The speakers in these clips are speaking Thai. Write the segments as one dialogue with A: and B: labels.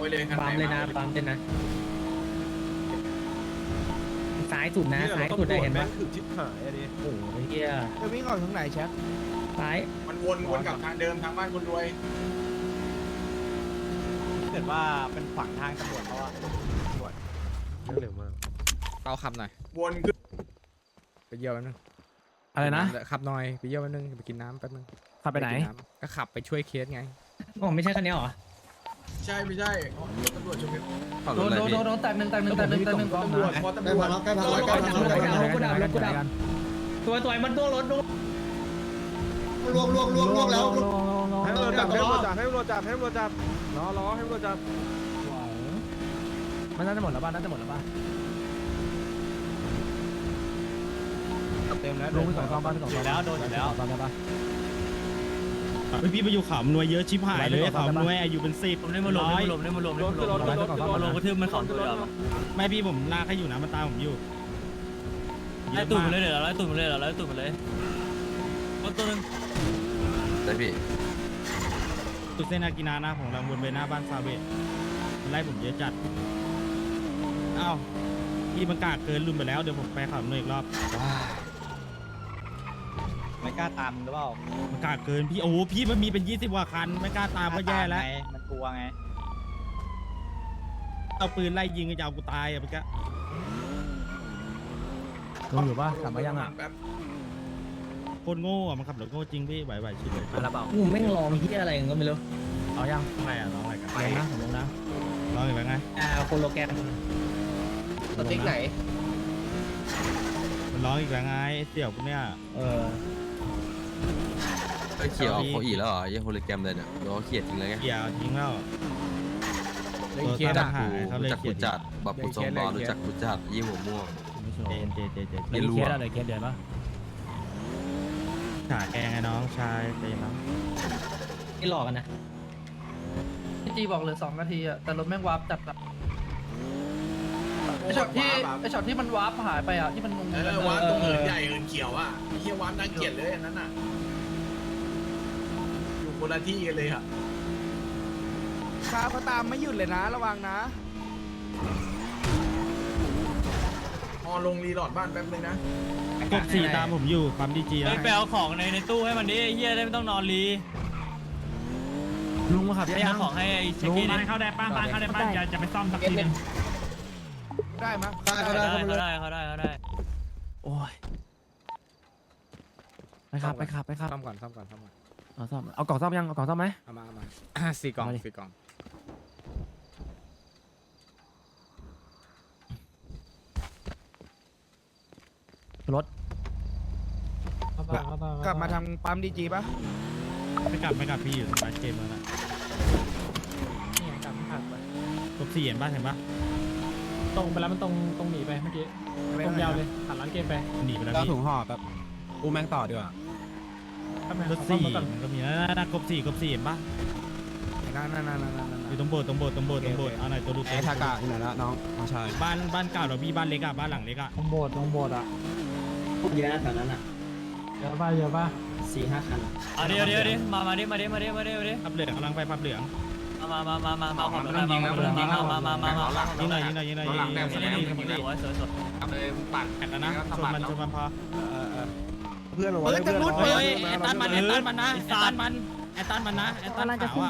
A: เลยคัน
B: ปั๊ม
A: ไหน
B: เลยนะปั๊มเลยนะซ้ายสุดนะซ้ายสุดได้เห็นปะ
C: ถึงชิบหายอะดิ
B: โอ้โหเฮีย
D: จะวิ่งออกทางไหนแชท
B: ซ้าย
A: มันวนกลับทางเดิมทางบ้านคนรวย
E: เกิดว่าเป็นขวางทางตำรวจเขาอะ
C: เร็วมาก
F: เอาขับหน่อย
A: วนขึ้น
F: ไปเยี่ยวแป๊บนึง
G: อะไรนะ
F: ขับหน่อยไปเยี่ยวแป๊บนึงไปกินน้ำแป๊บนึง
G: ขับไปไหน
F: กิำก็ขับไปช่วยเคสไง
B: โอ้ไม่ใช่คันนี้หรอ
A: ใช่ไม่ใช่ตำรวจชม
B: โดนแตกหนึ่ง
A: ตำรวจพอตำรวจ
B: กูดับตัวมันตัวรถดู
D: ล่วงแล้ว
C: ให้ตำรวจจับให้ตำรวจจับให้ตำรวจจับให้ตำรวจจับรอให้ตำรวจจับ
G: มันน่าจะหมดแล้วป่ะน่าจะหมดแล้วป่ะ
E: เต็มแล้ว
G: ลงไปสองกองบ้านไปสองกองแล้วโดนอยู่แล้วตอนนี้ป่ะ
H: พี่ไปอยู่ขำนวยเยอะชิบหายเลยขำนวยอายุเป็น10ผมได้มาลง
C: รถ
H: กระทืบมันขำตัวไม่พี่ผมลากให้อยู่นะมันตามผมอยู่ไล่ตุ่มเลยเดี๋ยวไล่ตุ่มเลยไล่ตุ่มเลยตัวนึง
I: ได้พี่
H: ตุ่เส้นอากินานะของรางวนไปหน้าบ้านซาเวตไล่ผมเยอะจัดอ้าวพี่มันกากเกินลืมไปแล้วเดี๋ยวผมไปขำนวยอีกรอบ
E: ไม่กล้าตามหรือเปล่า
H: มันกากเกินพี่โอ้พี่มันมีเป็น20กว่าคันไม่กล้าตามก็แย่แล้ว
E: มันกลัวไง
H: เอาปืนไล่ยิงก็จะเอากูตายอ่ะเมื่อกี้
G: ลงอยู่ป่ะกลับมายังอ่ะ
H: โคตรโง่อะมันขับรถโง่จริงพี่ไหวชิบเลย
G: อะไรเปล่า
B: กูแม่งลองเฮียอะไรก็ไม่รู้
G: เอายัง
H: อะไรอ่ะน้องอะไรกัน
G: ไปนะผมลงนะ
H: ร้องอีกแล้วไง
B: โคโลแกรม
D: สติ๊กไหน
H: มันร้องอีกแล้วไงเสี่ยวพวกเนี้ย
I: ไอ้เขียวเอาโคอีแล้วเหรอยังโฮลิแกรมเลยเนี่ยโดนเขียดจริงเลยไง
H: เกี่ยวทิ้งแล้ว
F: เลยเคส
H: ตั
F: อ่ะ
H: ดหายเขาเลย
I: รู้จัก
H: เขี
I: กู
H: ยน
I: จัดบับปูซองบอลรู้จักกูจัดยี่หัวม่วง
H: เจ
I: ไม่รู้
G: เคส
I: อะ
G: อะไรเคสเดือนป่ะ
H: ขาแกงไอ้น้องชายเต็มแล้ว
B: นี่หลอกกันนะ
J: พี่จีบอกเหลือ2 นาทีอะแต่รถแม่งวาร์ปจัดอะไอช็อตที่มันวาร์ปหายไปอะที่มันงง
A: วานตรงเหินใหญ่เหินเขียวอ่ะเฮียวานน่าเกลียดเลยอันนั้นอ่ะอยู่คนละที่กันเลยอ่ะ
D: ข้าวเขาตามไม่หยุดเลยนะระวังนะ
A: พอลงรีโหลดบ้านแป๊บนึงนะ
H: กบ4ตามผมอยู่ความดีจีแล้ว
E: ไปเอาของในตู้ให้มันดิเฮียได้ไม่ต้องนอนรี
G: ลุงมาขับ
E: ไป
G: ยัง
E: เอาของให้ไอ้เช็ค
H: ลุง
E: กี้
H: บ้านเข้าได้ป้านเข้าได้ป้านจะไปซ่อมสักทีนึง
D: ได้มั้ย
E: เขาได้
G: โอ้ยไปขับ
F: ซ่อมก่อนซ่อม
G: เอาซ่อมเอากล่องซ่อมยังเอากล่องซ่อมไหม
F: เอามา4 กล่อง
G: เอาดิ
F: 4 กล่อง
G: รถ
D: กลับมาทางปั๊มดีจีป่ะ
H: ไม่กลับพี่อยู่บ้านเกมแล้วนะกบ4เห็นป่ะ
G: ตรงไปแล้วมันตรงหนีไปเมื่อกี้ตรงยาวเลยหันหลังเกมไป
H: หนีไปแล้ว
F: เรา
H: พี่
F: ถุงห่อแบบอูแมงต่อดีกว่าร
H: ถ4มันก็มีนะกบ4เห็นป่ะ
F: นั่น
H: อยู่ตรงโบสถ์เอาหน่อยตัวดู
F: ไอ้ทากะอยู่ไหนละน้องน้องชาย
H: บ้านเก่าเราพี่บ้านเล็กอะบ้านหลังเล็กอะ
G: ตรงโบสถ์อ่ะ
B: เยอะนะแถวนั้นอ่ะ
G: เยอะป่ะ
B: 4-5 คัน
E: เอาดิมาดิ
H: พับเหลืองกำลังไปพับเหลือง
E: มาของรถมายิงหน่อยสวย
A: เลยปั่น
H: แข่งกันนะชนมันพอ
C: เพื่อนบอก
D: เฮ้
C: ว่าย
D: ทางนู้น
H: เฮ้ยไอ้ตันมันนะไอ้ตันขาวอะ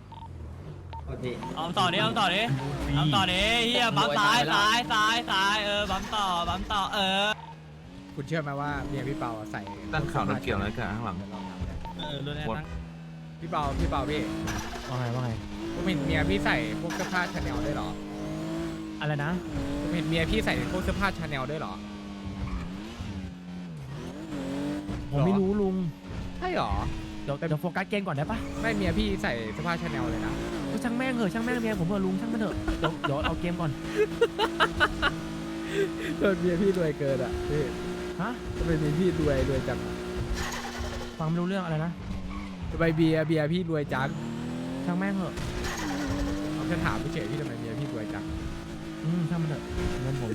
E: เอาต่อดิเฮียบัมซ้ายบัมต่อ
F: คุณเชื่อไหมว่าเมียพี่เปาใส่
I: ด้านข่าวรถเกี่ยวอะไรกันข้างหลัง
H: รถแอร์ตั้ง
F: พี่เปาพี่
G: ว่าไง
F: ผมเห็นเมียพี่ใส่พวกเสื้อผ้าชาแนลด้วยเหรอ
G: อะไรนะ
F: ผมเห็นเมียพี่ใส่พวกเสื้อผ้าชาแนลด้วยเหรอ
G: ผมไม่รู้ลุง
F: ใช่เหรอ
G: เดี๋ยวโฟกัสเกมก่อนได้ป่ะ
F: ไม่เมียพี่ใส่เสื้อผ้าชาแนลเลยนะ
G: ช่างแม่งเมียผมลุงช่างมันเถอะเดี๋ยวเอาเกมก่อน
F: โดนเมียพี่รวยเกินอ่ะพี่
G: ฮะ
F: ทำไมเมียพี่รวยจังอะ
G: ฟังไม่รู้เรื่องอะไรนะ
F: ทำไมเบียร์พี่รวยจัง
G: ช่างแม่งเถอะ
F: ผมจะถามเฉยๆพี่ทำไมเมียพี่รวยจัง
G: ช่างมันเถอะเงิน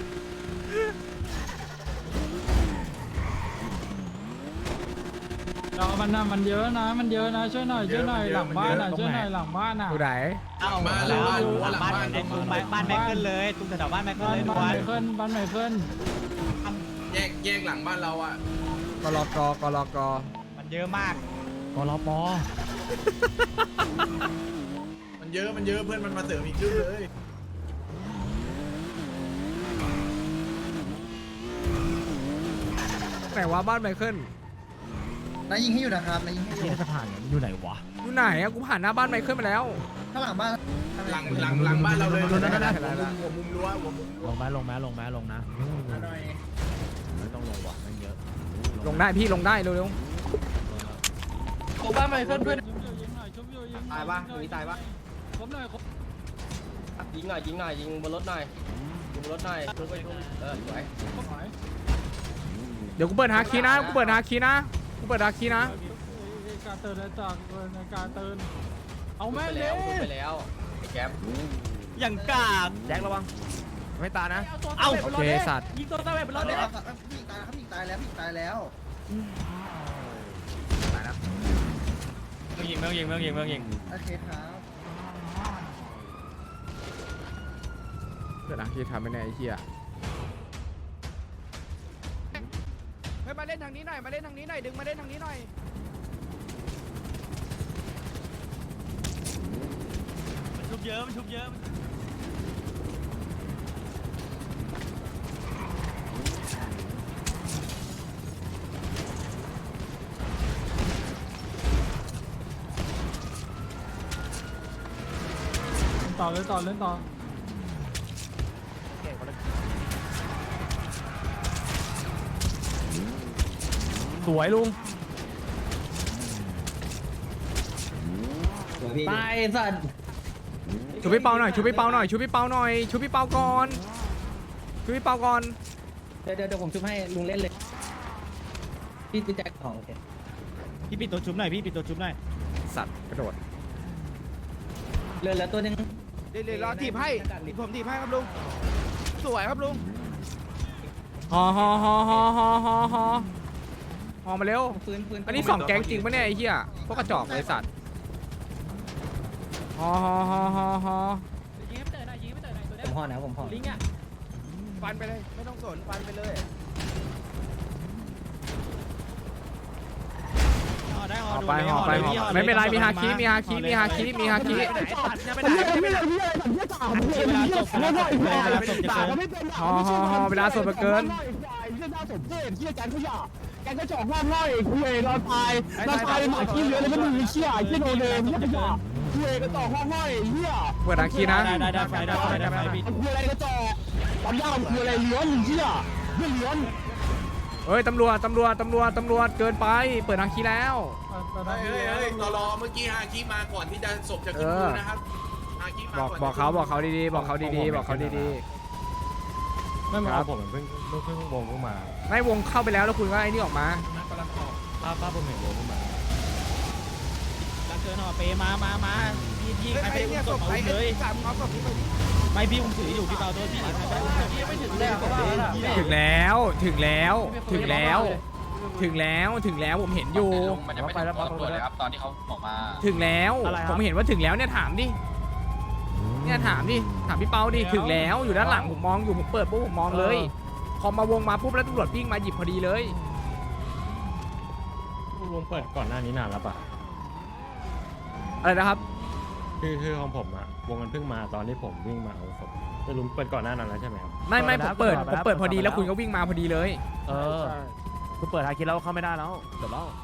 G: ผมเรามันเยอะนะมันเยอะนะช่วยหน่อยหลังบ้านอ่ะช่วยหน่อยหลังบ้านอ่ะ
F: ดูไหน
E: เอาหลังบ้านไอ้ตุ้มบ้านแม่ขึ้นเลยตุ้มแถวบ้านแม่ขึ้นเลย
G: บ้านไหนขึ้น
A: แยกหลังบ้านเราอ่ะ
F: กลก
E: มันเยอะมาก
G: กรป
A: มันเยอะเพื่อนมันมาเสริมอีกครึ่งเลย
F: ไหนวะบ้านไมเคิล
B: นายยิงให้อยู่นะครับนายยิงให้อยู่
G: ที่สะพานอยู่ไหนวะ
F: อยู่ไหนอะกูผ่านหน้าบ้านไมเคิลมาแล้ว
B: ข้างหลังบ้าน
A: หลังบ้านเราเลยหัวมุมรั้วหัวมุมรั้ว
G: ลงนะไม่ต้องลงวะไม่เยอะ
F: ลงได้พี่ลงได้เร็ว
J: โอ้บ้านใหม่เพื่อน
C: ตายปะมีตายปะ
G: ผมหน่อย
C: ยิงหน่อยยิงบนรถหน่อยยิงบนรถหน่อยทุบไปทุบสวย
F: ๆเดี๋ยวกูเปิดหาคีย์นะ
G: การเตือนจากการเตือนเอาแม่เลย
C: ไปแล้วแก๊ป
E: อย่างกาก
C: แจ็คระวังไม่ตายนะ
E: เอา
F: โอเคสัตว์
E: ยิงตัวตาแบบรถเลย
B: พี่ตายแล้วพี่ตายแล้วพี่ตายแล้ว
E: เมืองยิง
B: โอเคครับ
F: เปิดหาคีย์ทำไม่แน่ไอ้เหี้ย
D: เฮ้ยมาเล่นทางนี้หน่อยดึงมาเล่นทางนี้หน่อย
E: มันชุบเยอะ
G: ต่อเล่นต่อสวยลุง
B: ตายสัตว์
F: ชูพี่เปาหน่อยก่อนชูพี่เปาก่อน
B: เดี๋ยวผมชุบให้ลุงเล่นเลยพี่แจ็คของโอเค
H: พี่ปิดตัวชุบหน่อย
F: สัตว์กระโดด
B: เหลือตัวนึง
D: เดี๋ยวรอถีบให้ผมถีบให้ครับลุงสวยครับลุง
F: ฮอมาเร็ว
B: ฟื้น
F: อันนี้2แก๊งจริงปะเนี่ยไอ้เหี้ยพวกกระจอกเลยสัตว์ฮอ
E: ยิงให้เตะหน่อยตัว
B: ผมห่อนะผมห่อ
E: ลิงอ่ะ
D: ฟันไปเลยไม่ต้องสนฟันไปเลย
F: ห่อไปไม่เป็นไรมีฮาคิฮอเวลาสดเกิน
G: แกก็จอกล่างง่อยคุยรอตายเป็นหมาขี้เยอะเลยก็มีเชี่ยไอ้ที่โดนเลยเนี่ยจ้ะคุยก็จอกล่างง่อยเหี้ย
F: เปิดฮาคินะ
H: ได้ไฟพี่
G: คุยอะไรก็จอกตอนย่างคุยอะไรเลี้ยนเหี้ยเลี้ยน
F: เฮ้ยตำรวจเกินไปเปิดฮาคิแล้ว
A: เฮ้ยตลอเมื่อกี้ฮาคิมาก่อนที่จะศพจะขึ้นมือนะครับฮาคิมา
F: บอกเขาดีๆ
G: ไม่มาผมเพิ่งวงมา
F: ไม่วงเข้าไปแล้วคุณก็ไอ้นี่ออกมา
G: ป้าผมเห็นวงมา
H: รักเกินห่อเปมาพี่ใครไปอุ้มศพเอาเลย
D: สามเอาศพนี้ไป
H: ไม่พี่อุ้มถืออยู่พี่เปาตัวพี่ใครไปอุ้ม
J: ไม่ถึงแล้วเพราะว่า
F: ถึงแล้วผมเห็นอยู่
C: มันยังไม่ถึงตัวเลยครับตอนที่เขาออกมา
F: ถึงแล้วผมเห็นว่าถึงแล้วเนี่ยถามดิถามพี่เปาดิถึงแล้วอยู่ด้านหลังผมมองอยู่ผมเปิดปุ๊บผมมองเลยพอมาวงมาปุ๊บแล้วตำรวจวิ่งมาหยิบพอดีเลยว
G: งเปิดก่อนหน้านี้นานแล้วป่ะ
F: อะไรนะครับ
G: คือของผมอะวงมันเพิ่งมาตอนที่ผมวิ่งมาเอาศพจะลุงเปิดก่อนหน้านั้นแล้วใช่ไหมครับ
F: ไม่ผมเปิดพอดีแล้วคุณก็วิ่งมาพอดีเลย
G: คุณเปิดหาคิดแล้วเข้าไม่ได้แล้วเดี๋ยวเล่า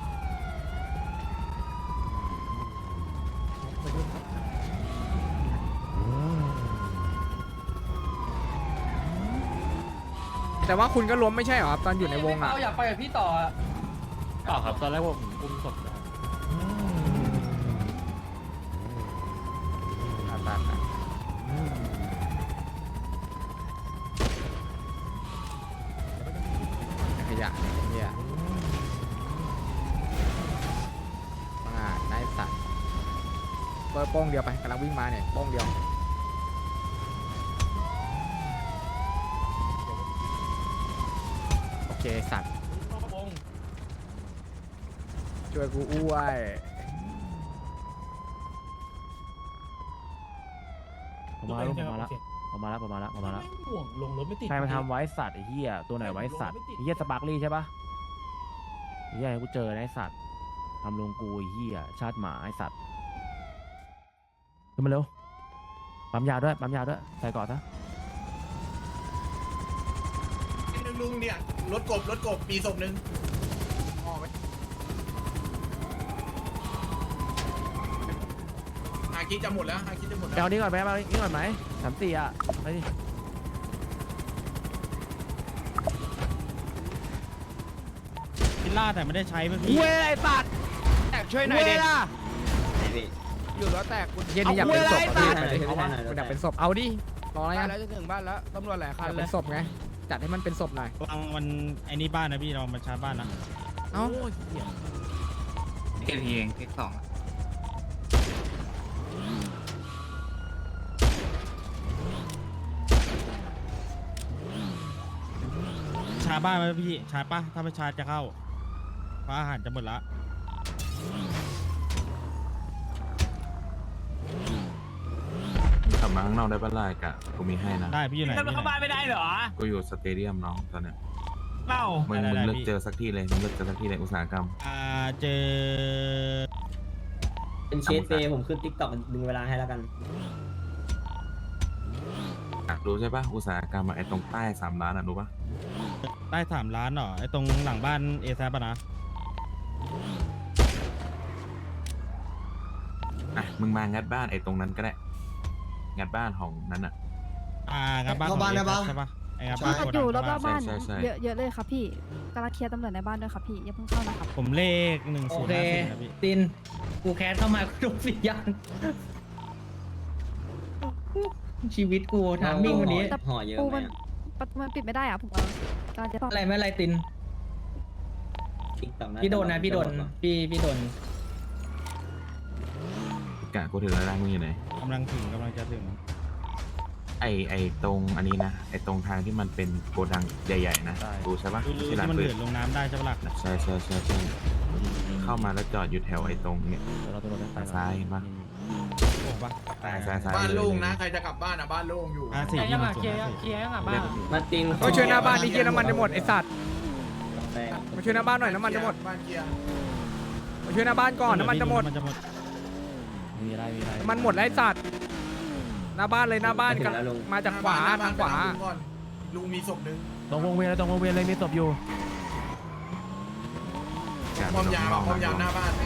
F: แต่ว่าคุณก็ล้มไม่ใช่เหรอครับตอนอยู่ในวงอ่ะ
J: อยากไปกับพี่ต่ออ่ะ
G: เปล่าครับตอนแรกผมอุ้มศพนะ
F: ขยะเนี่ยมาไนายสัตว์เปิดโป้งเดียวไปกำลังวิ่งมาเนี่ยโป้งเดียวโอเคสัตว์ช่วยกูอ้วยผมมาแล้วผมมาแล้ว
J: ห่วงลงรถไม่ติด
F: ใครมาทำไว้สัตว์ไอ้เหี้ยตัวไหนไว้สัตว์ไอ้เหี้ยสปาร์คลี่ใช่ปะไอ้เหี้ยให้กูเจอนะไอ้สัตว์ทำลงกูไอ้เหี้ยชาติหมาไอ้สัตว์ขึ้นมาเร็วปั๊มยาด้วยใส่ก่อนซะ
A: ลุงเนี่ยรถกบปีศพหนึ่งฮาคิจะหมดแล้ว
F: เอานี้ก่อนไหมเอานี้ก่อนไหม34อ่ะไปดิ
H: พิลล่าแต่ไม่ได้ใช้เมื่อกี้
F: เว้ยไอ้สัตว์
D: แตกช่วยหน่อยดิ
F: เว้ล่ะ
D: อยู่แล้วแตกคุณ
F: เย็นนี่อยากเป็นศพ
D: เอา
F: อ่ะ
D: เว้ย
F: พี่เอาวะมันอยากเป็นศพเอาดิรออะไร
D: บ้า
F: อ่ะ
D: นแล้วจะถึงบ้านแล้วตำรวจหลายคั
F: อน ยาก
D: เล
F: เป็
D: ย
F: นศพไงจัดให้มันเป็นศพหน่อย
H: วางมันไอ้นี่บ้านนะพี่เรามาชาร์จบ้านนะ
F: เอ้า
B: เก็บเองเก็บสอง
H: ชาร์จบ้านไหมพี่ชาร์จปะถ้าไม่ชาร์จจะเข้าเพราะอาหารจะหมดละ
I: ขับมาข้างนอกได้ปะล่ะกะกูมีให้นะ
H: ได้พี่อยู่ไหน
E: เข้าบ้านไม่ได้เหรอ
I: กูอยู่สเตเดียมน้องตอนเนี้ย
E: เล่า
I: มึงเลือกเจอสักที่เลยอุตสาหกรรม
H: เจอ
I: เป็นเชฟเฟผมขึ้นติ๊กต็อกดึงเวลาให้แล้วกันรู้ใช่ปะอุตสาหกรรมไอ้ตรงใต้3 ล้านอ่ะรู้ปะ
H: ใต้3 ล้านเหรอไอ้ตรงหลังบ้านเอแซปะนะ
I: อ่ะมึงมางัดบ้านไอ้ตรงนั้นก็ได้งัดบ้านของนั้นอ่ะ
H: งัดบ้านของเอแซปใช่ปะไอ้งัดบ้าน
K: อยู่รอบบ้าน
I: ใช่
K: เยอะเลยครับพี่กำลังเคลียร์ตำรวจในบ้านด้วยครับพี่อย่าเพิ่งเข้านะครับ
H: ผมเลข
B: โอเค
H: 1054นะพี่
B: ตินกูแคสเข้ามากูโดนสิย่างชีวิตกูทามมิ่งวันนี้
K: แต่ปูมันประตูมันปิดไม่ได้อะผมกำลังจะต้อง
B: อะไรไม่อะไรตินพี่โดนนะพี่โดนพี่โดน
I: กะกูถึงแล้วมึงอยู่ไหน
H: กำลังจะถึง
I: ไอ้ตรงอันนี้นะไอ้ตรงทางที่มันเป็นโกดังใหญ่ๆนะรู้ใช่ปะ
H: ที่
I: ที่ร้าน
H: มัน
I: ปื
H: เดือน ดลงน้ำได้ใช่ปะล่ะ
I: ใช่เข้ามาแล้วจอดอยู่แถวไอ้ตรงเนี่ย
F: เราตัวรถได้
I: ซ้ายเห็นปะ
H: โอ้ปะ
I: ซ้าย
A: บ้าน
I: เลย
A: โล่งนะใครจะกลับบ้านบ้านโล่งอยู่
H: 4
E: ยังอ่ะเคลียร์ยังอ่ะบ้าน
I: มาติง
F: มาช่วยหน้าบ้านดิเกียร์น้ำมันจะหมดไอ้สัตว์มาช่วยหน้าบ้านหน่อยน้ำมันจะหมด
A: บ้านเกียร์
F: มาช่วยหน้าบ้านก่อนน้ำมันจะหมด
E: มีอะไร
F: น้ำมันหมดแล้วไอ้สัตว์หน้าบ้านเลยหน้าบ้านกันมาจากขวาทางขวา
A: ลุงมีศพหนึ่ง
F: ตรงวงเวียนเลยมีศพอยู่
A: พร้อมยามหน้าบ้าน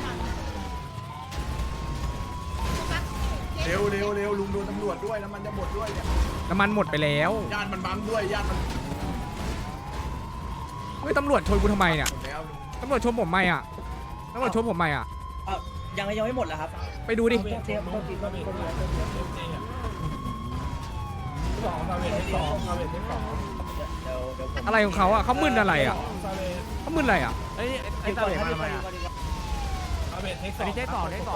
A: เร็วลุงโดนตำรวจด้วยน้ำมันจะหมดด้วยเนี่ย
F: น้ำมันหมดไปแล้ว
A: ญาติมันบั๊มด้วยญาติมัน
F: เฮ้ยตำรวจชนกูทำไมเนี่ย
A: หมดแล้วลุง
F: ตำรวจชนผมไหมอ่ะตำรวจชนผมไหมอ่ะ
B: ยังไม่หมดแล้วครับ
F: ไปดูดิอะไรของเขาอ่ะเขามึนอะไรอ่ะเขามึนอะไรอ่ะไอ้ตาเหลมาทำไมอ่ะอันนี้ได้ต่อ
B: ตอน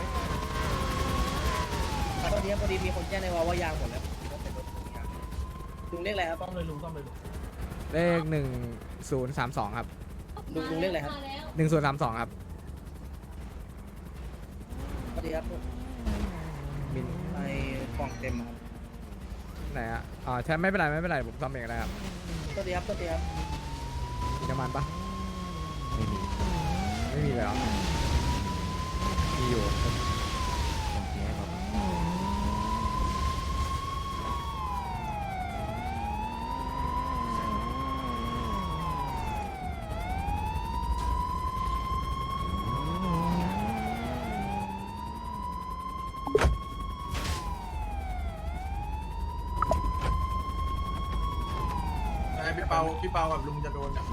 B: นี้พอดีมีคนแจ้งในว่ายางหมดแล้วลุงเรียกอะไรครับต้องเลยลุง
F: เลข1032ครับ
B: ลุงเรียกอะไรครับ
F: 1032ครับ
B: สวัสดีครับ
F: มิน
B: ไอ้กล่องเต็มครับ
F: ไหนอ่ะอ๋อใช่ไม่เป็นไรผมซ่อมเองก็ได้ครับ
B: สวัสดีครับ
F: มีน้ำมันปะไม่มีเลยเหรอมีอยู่
A: พี่เปากับลุงจะโดนเนี่ย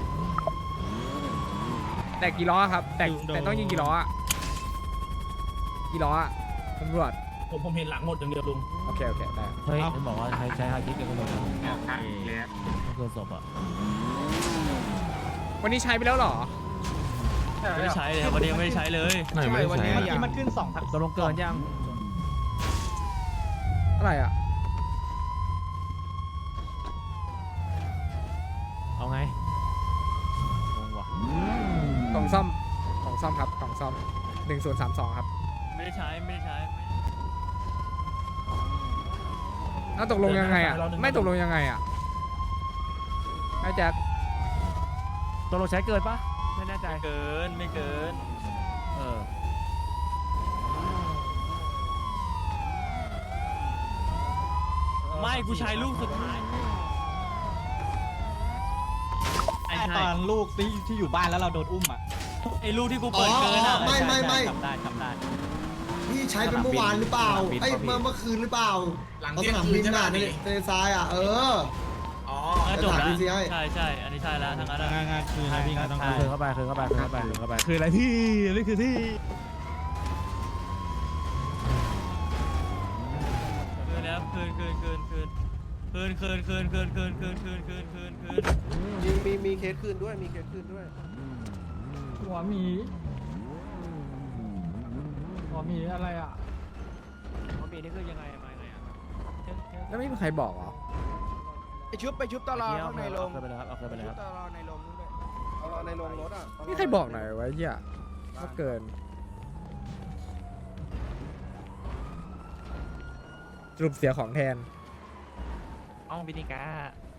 F: แต่กี่ล้อครับแต่ต้องยิงกี่ล้ออ่ะกี่ล้ออ่ะตำรวจ
B: ผมเห็นหลังหมดอย่างเดียวลุง
F: โอเคได้
E: เฮ้ยมันบอกว่าใช้ฮาคิกับคนอื่นไม่เกินศพอ่ะ
F: วันนี้ใช้ไปแล้วเหรอ
E: ไม่ได้ใช้เลยวันนี้ยังไม่ได้ใช้เลย
I: ไหนไม่ได้ใช้อะ
B: มันขึ้น2
F: ตกลงเกินยังอะไรอ่ะ
E: เอาไงงงว่ะ
F: กล่องซ่อม
D: ซ่อมครับกล่องซ่อม1032ครับ
E: ไม่ได้ใช้ไม่ได้ใช้
D: แล้วตกลงยังไงอ่ะไม่ตกลงยังไงอ่ะไอ้แจ็ค
F: ตัวเราใช้เกินปะไม่แน่ใจ
E: ไม่เกินไม่เกิน
F: เออ
E: ไม่กูใช้ลูกสุดท้าย
H: ตอนลูกที่อยู่บ้านแล้วเราโดนอุ้มอ่ะ
E: ไอ้ลูกที่กูเปิดเกินอ่ะ
G: ไม่
H: ทำได้
G: พี่ใช้เป็นเมื่อวานหรือเปล่าไอ้เมื่อคืนหรือเปล่า
A: หลัง
G: เอา
A: เที่
G: ส
A: ยง
G: นาม
A: คื
G: บิ
A: น
G: น
A: ใช่ไหม
G: น่ะในทะเลทรายอ่ะ
A: อ๋อ
E: จบแล้ว
G: PCI
E: ใช่ใช่อันนี้ใช่แล้วทั้งนั้นอะ
H: งานคือนะพี่งานต้อง
F: คืนเข้าไปคืนเข้าไปคืนเข้าไปคืนเข้าไป
H: คืออะไรพี่นี่คือที่
E: คืนแล้วคืน
B: มีเคสคืนด้วยมีเคสคืนด้วย
J: หัวหมีอะไรอ่ะ
E: หัวหมีนี่คือยังไงมาไงอ่ะ
D: แล้วไม่มีใครบอกเหรอไปชุบตลอด
F: เอา
D: ข้างในโรง
F: คืนไปเลยครับเอาคืนไปเลยครับ
D: ตลอดในโรงนู้นด้วยตลอดในโรงรถอ่ะนี่ใครบอกหน่อยไว้เหี้ยว่าเกินสรุปเสียของแทน
F: อ้องพินิกา